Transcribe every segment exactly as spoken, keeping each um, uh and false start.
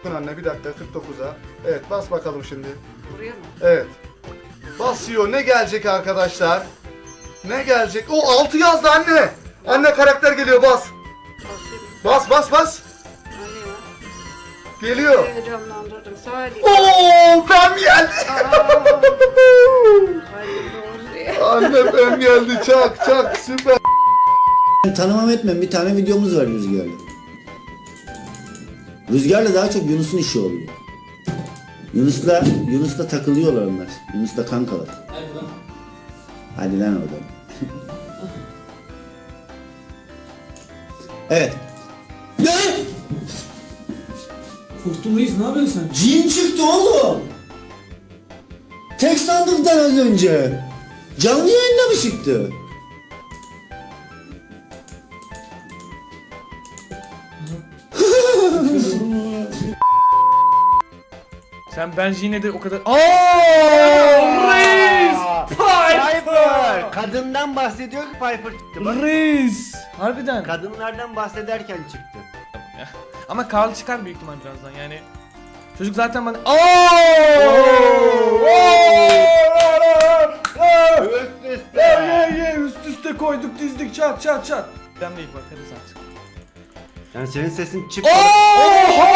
Anne bir dakika kırk dokuza. Evet bas bakalım şimdi. Buraya mı? Evet. Basıyor. Ne gelecek arkadaşlar? Ne gelecek? O altı yazdı anne. Anne karakter geliyor bas. Basayım. Bas bas bas. Hani ya? Geliyor. Heyecanlandırdım. Salih. Oo pem geldi. Hayırlı olsun ya. Anne pem geldi. Çak çak süper. Tanımam etmem bir tane videomuz var Rüzgar'la. Rüzgar'la daha çok Yunus'un işi oluyor. Yunus'la Yunus'la takılıyorlar onlar. Yunus'la kankalar. Hadi lan. Hadi lan oradan. Evet. Ne? Korktum reis, ne yapıyorsun sen? Cin çıktı oğlum. Tek sandıktan az önce. Canlı yayında mı çıktı? Sen bence yine de o kadar... Aaaa! Reis! Piper! Kadından bahsediyor ki Piper çıktı. Bak. Reis! Harbiden. Kadınlardan bahsederken çıktı. Ama Karl çıkar büyük ihtimal birazdan yani. Çocuk zaten bana... Aaaa! Üst üste. Ye ye üst üste koyduk dizdik çat çat çat. Ben değil bakarız artık. Yani senin sesin çıktı. Oho!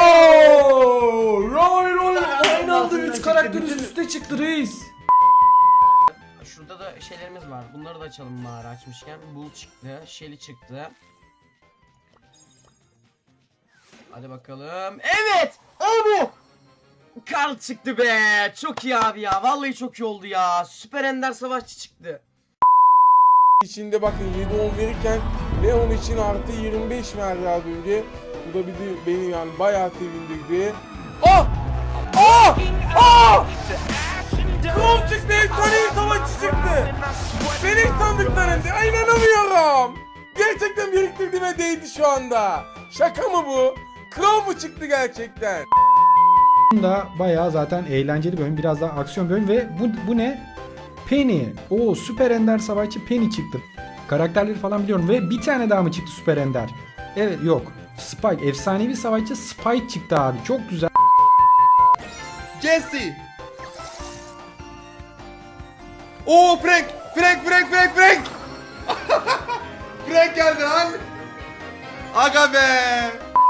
Roy Roy aynı anda üç karakter üst üste çıktı reis. Şurada da şeylerimiz var. Bunları da açalım mağara açmışken. Bull çıktı, Shelly çıktı. Hadi bakalım. Evet! O bu! Karl çıktı be! Çok iyi abi ya. Vallahi çok iyi oldu ya. Süper Ender Savaşçı çıktı. İçinde bakın yedi on verirken Leon için artı yirmi beş verdi az önce. Bu da bizi, beni yani bayağı sevindirdi. Ah! Ah! Ah! Kral çıktı, efsanevi savaşçı çıktı. Beni hiç sandıklarında, ay inanamıyorum. Gerçekten biriktirdiğime değdi şu anda. Şaka mı bu? Kral mı çıktı gerçekten? Da bayağı zaten eğlenceli bir oyun, biraz daha aksiyon bir oyun ve bu, bu ne? Penny. O Süper Ender Savaşçı Penny çıktı. Karakterleri falan biliyorum ve bir tane daha mı çıktı Süper Ender? Evet yok. Spike. Efsanevi savaşçı Spike çıktı abi. Çok güzel. Jesse. Oo Frank. Frank Frank Frank Frank. Frank geldi lan. Aga be.